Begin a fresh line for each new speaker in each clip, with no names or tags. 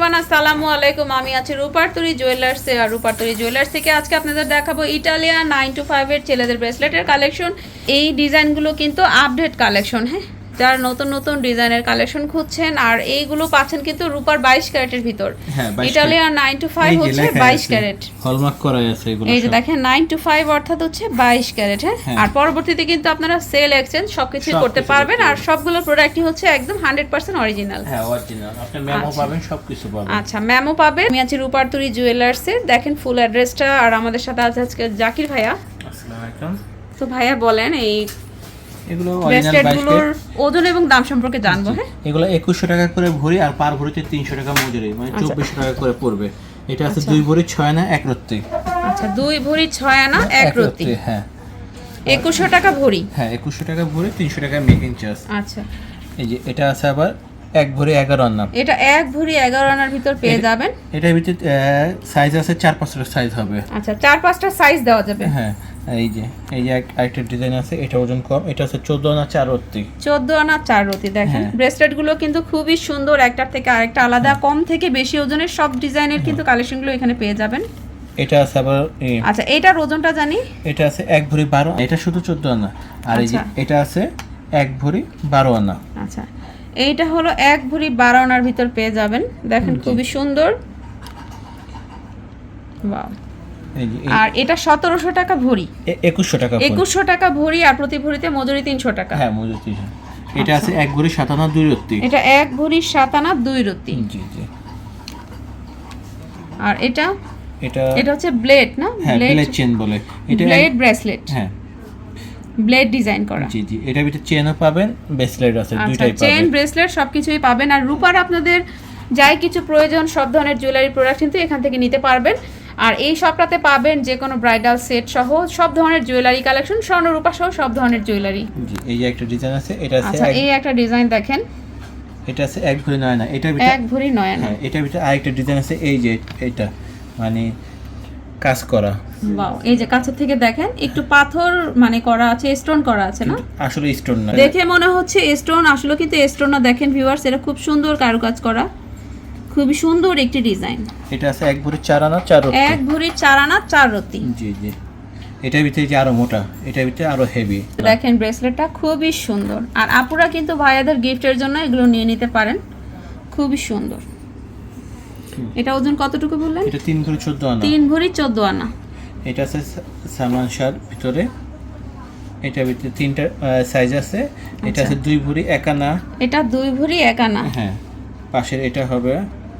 Everyone আসসালামু আলাইকুম। আমি আছি রূপারতুরি জুয়েলার্সে। আর রূপারতুরি জুয়েলার্স থেকে আজকে আপনাদের দেখাবো ইটালিয়ান 9 to 5 এর ছেলেদের ব্রেসলেটের কালেকশন। এই ডিজাইনগুলো কিন্তু আপডেট কালেকশন, হ্যাঁ, যারা নতুন নতুন ডিজাইনের কালেকশন খুঁজছেন। আর এইগুলো পাচ্ছেন কিন্তু রূপার 22 ক্যারেটের ভিতর। ইটালিয়ান 9 to 5 হচ্ছে 22 ক্যারেট,
হলমার্ক করা আছে এগুলো।
এই যে দেখেন 9 to 5 অর্থাৎ হচ্ছে 22 ক্যারেট, হ্যাঁ। আর পরবর্তীতে কিন্তু আপনারা সেল এক্সচেঞ্জ সবকিছু করতে পারবেন। আর সবগুলো প্রোডাক্টই হচ্ছে একদম 100% অরিজিনাল,
হ্যাঁ অরিজিনাল। আপনি মেমো পাবেন, সবকিছু পাবেন।
আচ্ছা, মেমো পাবেন। আমি আছি রূপারতুরি জুয়েলার্সে। দেখেন ফুল অ্যাড্রেসটা। আর আমাদের সাথে আছে আজকে জাকির ভাইয়া।
আসসালামু আলাইকুম।
তো ভাইয়া বলেন এই
এগুলো অরিজিনাল
ব্রেসলেটগুলোর ওজন এবং দাম সম্পর্কে জানবো, হ্যাঁ।
এগুলো 2100 টাকা করে ভরি আর পার ভরিতে 300 টাকা মজুরি, মানে 2400 টাকা করে পড়বে। এটা আছে 2 ভরি 6 আনা 1 রত্তি।
আচ্ছা, 2 ভরি 6 আনা 1 রত্তি,
হ্যাঁ।
2100 টাকা ভরি,
হ্যাঁ 2100 টাকা ভরি, 300 টাকা মেকিং চার্জ।
আচ্ছা,
এই যে এটা আছে আবার 1 ভরি 11 আনা।
এটা 1 ভরি 11 আনার ভিতর পেয়ে যাবেন।
এটার ভিতরে সাইজ আছে 4-5টা সাইজ হবে।
আচ্ছা, 4-5টা সাইজ দেওয়া যাবে,
হ্যাঁ। এই যে আরেকটা ডিজাইন আছে, এটা ওজন কম। এটা আছে 14 আনা 4 রত্তি।
14 আনা 4 রতি। দেখেন ব্রেসলেটগুলো কিন্তু খুবই সুন্দর, একটার থেকে আরেকটা আলাদা। কম থেকে বেশি ওজনের সব ডিজাইনের কিন্তু কালেকশনগুলো এখানে পেয়ে যাবেন।
এটা আছে আবার
আচ্ছা, এটার ওজনটা জানি।
এটা আছে 1 ভরি 12, এটা শুধু 14 আনা। আর এই যে এটা আছে 1 ভরি 12 আনা।
আচ্ছা, এইটা হলো 1 ভরি 12 আনার ভিতর পেয়ে যাবেন। দেখেন খুবই সুন্দর, ওয়াও। আর এটা 1700 টাকা ভরি,
2100 টাকা ভরি,
2100 টাকা ভরি। আর প্রতি ভরিতে মজুরি 300 টাকা।
হ্যাঁ মজুরি 300। এটা আছে 1 ভরি 7 আনা 2 রত্তি।
এটা 1 ভরি 7 আনা 2 রত্তি।
জি জি।
আর এটা
এটা
হচ্ছে ব্লেড, না?
ব্লেড চেন বলে এটা,
ব্লেড ব্রেসলেট,
হ্যাঁ,
ব্লেড ডিজাইন করা।
জি জি। এটার ভিতরে চেনও পাবেন, ব্রেসলেট আছে, দুইটাই পাবেন।
চেন ব্রেসলেট সবকিছুই পাবেন। আর রূপার আপনাদের যাই কিছু প্রয়োজন সব ধরনের জুয়েলারি প্রোডাক্ট কিন্তু এখান থেকে নিতে পারবেন। আর এই শপটাতে পাবেন যে কোনো ব্রাইডাল সেট সহ সব ধরনের জুয়েলারি কালেকশন, স্বর্ণ রূপা সহ সব ধরনের জুয়েলারি।
জি, এই যে একটা ডিজাইন আছে, এটা আছে।
আচ্ছা, এই একটা ডিজাইন দেখেন,
এটা আছে 1 ভরি 9 আনা। এটার ভিতরে
1 ভরি 9 আনা।
হ্যাঁ, এটার ভিতরে আরেকটা ডিজাইন আছে, এই যে এটা মানে কাজ করা।
ওয়াও, এই যে কাছের থেকে দেখেন একটু পাথর মানে করা আছে, স্টোন করা আছে, না?
আসলে স্টোন না,
দেখে মনে হচ্ছে স্টোন, আসলে কিন্তু স্টোন না। দেখেন ভিউয়ার্স, এটা খুব সুন্দর কারুকাজ করা, খুবই সুন্দর একটি ডিজাইন।
এটা আছে 1 ভরি 4 আনা 4 রত্তি।
1 ভরি 4 আনা 4 রত্তি।
জি জি। এটার ভিতরে যে আরো মোটা, এটার ভিতরে আরো হেভি।
দেখেন ব্রেসলেটটা খুবই সুন্দর। আর আপুরা কিন্তু ভাইয়াদের গিফটের জন্য এগুলো নিয়ে নিতে পারেন, খুবই সুন্দর। এটা ওজন কতটুকু বললেন?
এটা 3 ভরি 14 আনা।
3 ভরি 14 আনা।
এটা আছে সামান শাল ভিতরে। এটার ভিতরে 3টা সাইজ আছে। এটা আছে 2 ভরি 1 আনা।
এটা 2 ভরি 1 আনা।
হ্যাঁ, পাশের এটা হবে,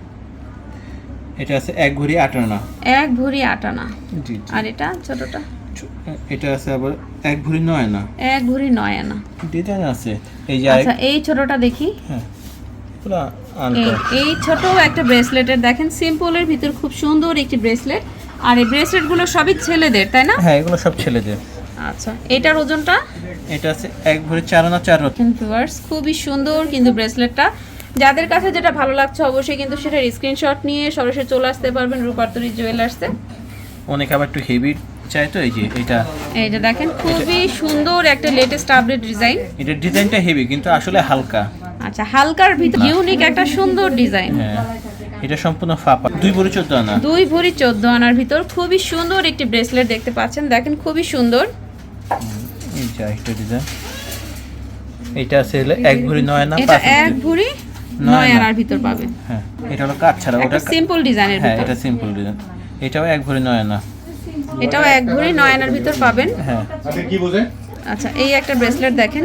এটা আছে 1 ভরি 8 আনা।
1 ভরি 8 আনা।
জি জি।
আর এটা ছোটটা,
এটা আছে আবার 1 ভরি 9 আনা।
1 ভরি 9 আনা।
ডিজাইন আছে এই যে।
আচ্ছা, এই ছোটটা দেখি।
হ্যাঁ, পুরো আনকো।
এই ছোট একটা ব্রেসলেটের দেখেন, সিম্পলের ভিতর খুব সুন্দর একটি ব্রেসলেট। আর এই ব্রেসলেটগুলো সবই ছেলেদের, তাই না?
হ্যাঁ, এগুলো সব ছেলেদের।
আচ্ছা, এটার ওজনটা?
এটা আছে 1 ভরি 4 আনা 4 রত্তি।
ভিউয়ার্স, খুবই সুন্দর কিন্তু ব্রেসলেটটা। যাদের কাছে যেটা ভালো লাগছে অবশ্যই কিন্তু সেটার স্ক্রিনশট নিয়ে সরাসরি চলে আসতে পারবেন রূপারতুরি জুয়েলার্সে।
অনেক আবার একটু হেভি চাই, তো এই যে এটা,
এই যে দেখেন খুবই সুন্দর একটা লেটেস্ট আপডেট ডিজাইন।
এটা ডিজাইনটা হেভি কিন্তু আসলে হালকা।
আচ্ছা, হালকার ভিতর ইউনিক একটা সুন্দর ডিজাইন।
হ্যাঁ, এটা সম্পূর্ণ ফাপা। 2 ভরি 14 আনা।
2 ভরি 14 আনার ভিতর খুবই সুন্দর একটি ব্রেসলেট দেখতে পাচ্ছেন। দেখেন খুবই সুন্দর।
এই যে একটা ডিজাইন, এটা আছে 1 ভরি 9 আনা।
এটা 1 ভরি 9 আনার ভিতর পাবেন।
হ্যাঁ, এটা হলো কাজ ছাড়া, ওটা
সিম্পল ডিজাইনের
হ্যাঁ,
ভিতর।
এটা সিম্পল ডিজাইন। এটাও 1 ভরি 9 আনা।
এটাও 1 ভরি 9 আনার ভিতর পাবেন।
হ্যাঁ।
কি বোঝে?
আচ্ছা, এই একটা ব্রেসলেট দেখেন,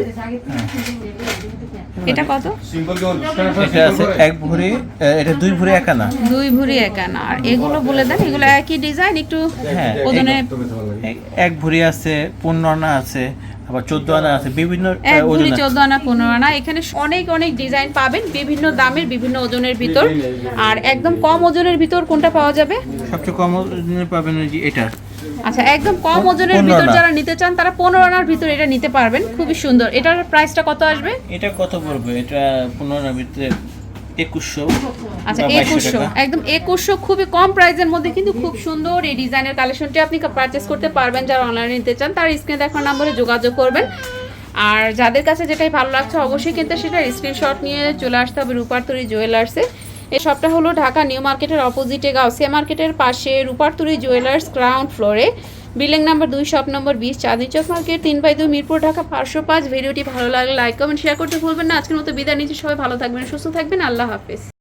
এটা কত?
সিম্পল কেমন?
এটা আছে 1 ভরি, এটা 2 ভরি 1 আনা।
2 ভরি 1 আনা। আর এগুলো বলে দেন, এগুলো একই ডিজাইন, একটু
হ্যাঁ,
ওজনে
1 ভরি আছে, 15 আনা আছে, আবার 14 আনা আছে, বিভিন্ন
1 ভরি
ওজন আছে।
14 আনা 15 আনা। এখানে অনেক অনেক ডিজাইন পাবেন, বিভিন্ন দামের, বিভিন্ন ওজনের ভিতর। আর একদম কম ওজনের ভিতর কোনটা পাওয়া যাবে?
সবচেয়ে কম ওজনের পাবেন ওই যে এটা।
আচ্ছা, একদম কম ওজনের
15
ভিতর
আনা।
যারা নিতে চান তারা 15 আনার ভিতর এটা নিতে পারবেন, খুবই সুন্দর। এটার প্রাইসটা কত আসবে?
এটা কত পড়বে? এটা 15 আনার ভিতরে 2100।
আচ্ছা,
বা 2200
2100,
টাকা।
একদম 2100, খুবই কম প্রাইসের মধ্যে কিন্তু খুব সুন্দর এই ডিজাইনের কালেকশনটি আপনি পারচেজ করতে পারবেন। যারা অনলাইনে নিতে চান তার স্ক্রিনে দেখার নম্বরে যোগাযোগ করবেন। আর যাদের কাছে যেটাই ভালো লাগছে অবশ্যই কিন্তু সেটা স্ক্রিনশট নিয়ে চলে আসতে হবে রূপারতুরি জুয়েলার্সে। এই শপটা হলো ঢাকা নিউ মার্কেটের অপোজিটে গাউসিয়া মার্কেটের পাশে রূপারতুরি জুয়েলার্স গ্রাউন্ড ফ্লোরে, building number 2, shop number 20, Chandni Chowk market, 3/2, Mirpur, Dhaka 505। ভিডিওটি ভালো লাগলে লাইক কমেন্ট শেয়ার করতে ভুলবেন না। আজকের মতো বিদায় নিচ্ছি, সবাই ভালো থাকবেন, সুস্থ থাকবেন, আল্লাহ হাফেজ।